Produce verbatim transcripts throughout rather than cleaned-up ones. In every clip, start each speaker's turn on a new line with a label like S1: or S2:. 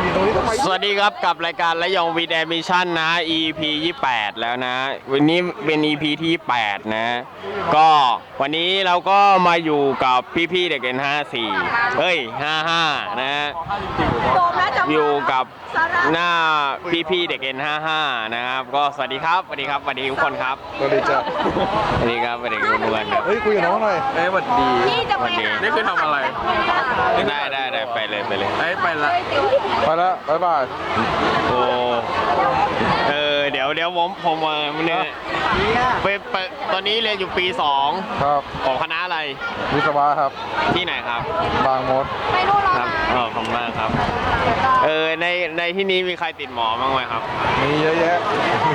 S1: สวัสดีครับกับรายการระยองวีดแอมิชั่นนะ อี พี ยี่สิบแปดแล้วนะวันนี้เป็น อี พี ที่แปดนะก็วันนี้เราก็มาอยู่กับพี่ๆเด็กเอ็นห้าสี่เฮ้ยห้าห้านะอยู่กับหน้าพี่ๆเด็กเอ็นห้าห้านะครับก็สวัสดีครับสวัสดีครับสวัสดีทุกคนครับ
S2: สวัสดีจ้ะ
S1: สวัสดีครับสวัสดีทุกคนครับ
S2: เฮ้ยคุยกับน้องหน่อย
S3: เอ้ยสวัสดี
S1: สวัสดี
S3: นี่คือทำอะไร
S1: ได้ได้ได้ไปเลยไปเลย
S3: เอ้ยไปละ
S2: ไปแล้วบ๊ายบาย
S1: โอ้เออเดี๋ยวเดี๋ยวผมผมมาเนี่ยไปไปตอนนี้เรียนอยู่ปีสอง
S2: ครับ
S1: ของคณะอะไร
S2: วิศวะครับ
S1: ที่ไหนครับ
S2: บางมด
S1: ครับอ๋อขอบคุณมากครับเออในในที่นี้มีใครติดหมอบ้างไหมครับ
S2: มีเยอะแยะ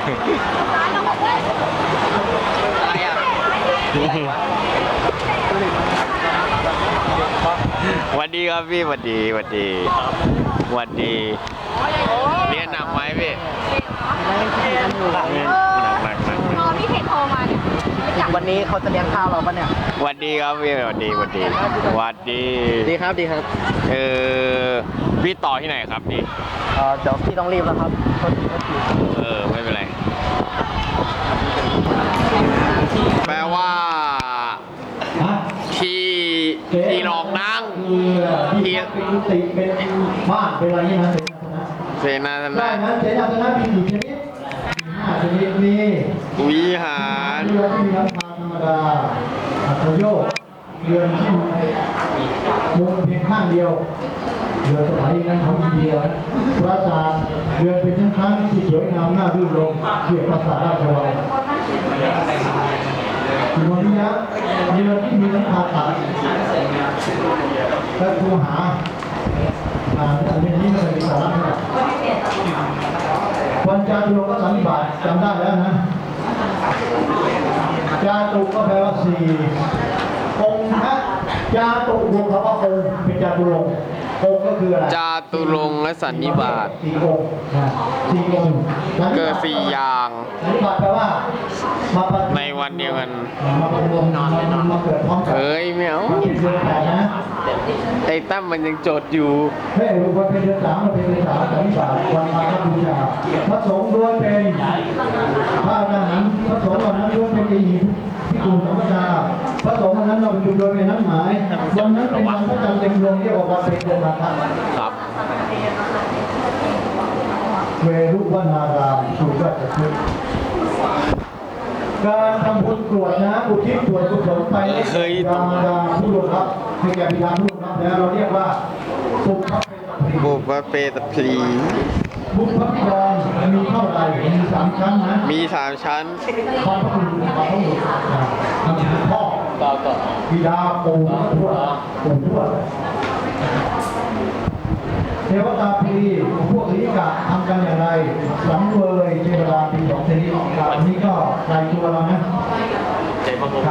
S1: สวัสดีครับพี่สวัสดีสวัสดีสวัสดีเรียนหนักไหมพี่หนักหนักหนักหนัก
S4: พอพี่เห็นโทรมาเนี่ย
S5: วันนี้เขาจะเลี้ยงข้าวเราปะเนี่ย
S1: สวัสดีครับพี่สวัสดีสวัสดีสวัสดี
S5: ดีครับดีครับ
S1: เออพี่ต่อที่ไหนครับนี่
S5: เออเดี๋ยวพี่ต้องรีบแล้วครับ
S1: เออไม่เป็นไรแปลว่าที่ที่รองนั่งที่
S6: เป็นบ้านเป็นอะไรนี่นะ
S1: เสนาสนะ
S6: ได้นะเสนาสนะมีกี่ชนิดห้าชนิดมี
S1: วิหาร
S6: เรือที่มีหลังคาธรรมดาอัตโยกเรือที่มุมเพียงข้างเดียวเรือสมัยนั้นเขามีเดียวปราสาทเรือเป็นทั้งครั้งที่สวยงามน่ารื่นรมเกี่ยวกับปราสาทราชวังที่วันนี้นะเรือที่มีหลังคาตัดและคูหาอ่าอันนี้ไม่เป็นสาระนะวันจาตุโลกสันนิบาตจำได้แล้วนะจาตุก็แปลว่าสี่องค์นะจาตุรวมคำว่าองค์เป็นจาตุรงค์องค์ก็คืออะไร
S1: จาตุรงค์และสันนิบาต
S6: สี่องค์สี่องค์
S1: เกิดสี่อย่าง
S6: สันนิบาตแปลว่ามา
S1: ในวันเดียวกัน
S6: มาประรวมนอนมาเกิดพร้อมกัน
S1: เฮ้ยไม่เอาไอ้ตั้มมันยังจดอยู่
S6: เฮ้ยวันเป็นเดือนสามวันเป็นเดือนสามสันนิบาตวันมาฆบูชาพระสงฆ์ล้วนเป็นพระอรหันต์พระสงฆ์เหล่านั้นล้วนเป็นอิหิพิกุลสัมปทาพระสงฆ์เหล่านั้นเราเป็นโดยเป็นนั้นหมายวันนั้นเป็นวันพระจันทร์เต็มดวงเรียกว่าวันเป็นเดือนมาฆ
S1: ครับ
S6: เวรุวนารามสุราชพฤกษ์การทำบุญกรวดนะอุทิศส่วนกุศลไปให้ดาดาผู้ล่วงลับให้แก่บิดาผู้ล่วงลับแล้วเราเรียกว่าสุภ
S1: บุพเปตพลี
S6: บุพพิดรมีเท่าไหร่มีสามชั้นนะ
S1: มีสามชั้น
S6: พรพระบุรุษพรพระบุรุษพ่อบิดาปู่ทวดปู่ทวดเทวตาพีพวกลิกะทำกันอย่างไรสังเวยเทวดาปีสองชนิดอันนี้ก็รายตัวเรานะ
S1: ใจมงคล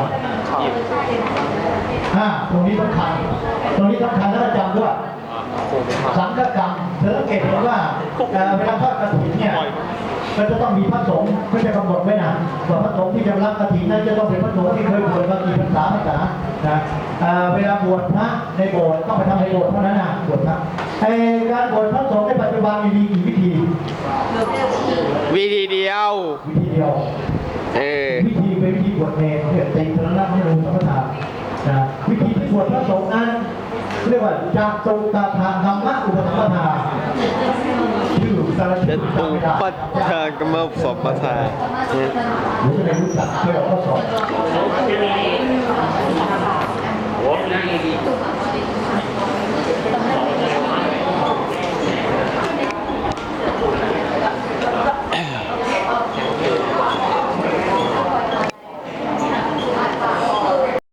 S6: อ่าตรงนี้สำคัญตรงนี้สำคัญแล้วจำด้วยสังฆกรรมเธอสังเกตเห็นว่าเวลาทอดกฐินเนี่ยก็จะต้องมีพระสงฆ์ไม่ใช่กำหนดไว้นะว่าพระสงฆ์ที่จะรับกฐินนั้นจะต้องเป็นพระสงฆ์ที่เคยบวชมากี่พรรษาพรรษานะเวลาบวชพระในโบสถ์ต้องไปทำในโบสถ์เท่านั้นนะบวชพระไอ้การบวชพระสงฆ์ในปัจจุบันมีกี่วิธี
S1: วิธีเดียว
S6: วิธีเดียว
S1: เออ
S6: วิธีเป็นวิธีบวชเนรเพื่อตีพระนักให้รู้สัมปทานนะวิธีที่บวชพระสงฆ์นั้นเรียกว่าจากตุตาทางธรรมะอุปสัมปทาชื่อสารชิตตุ
S1: ปัจจกรรมสัมปทา
S6: หรือจะได้รู้จักเกี่ยวกับข้อสอบ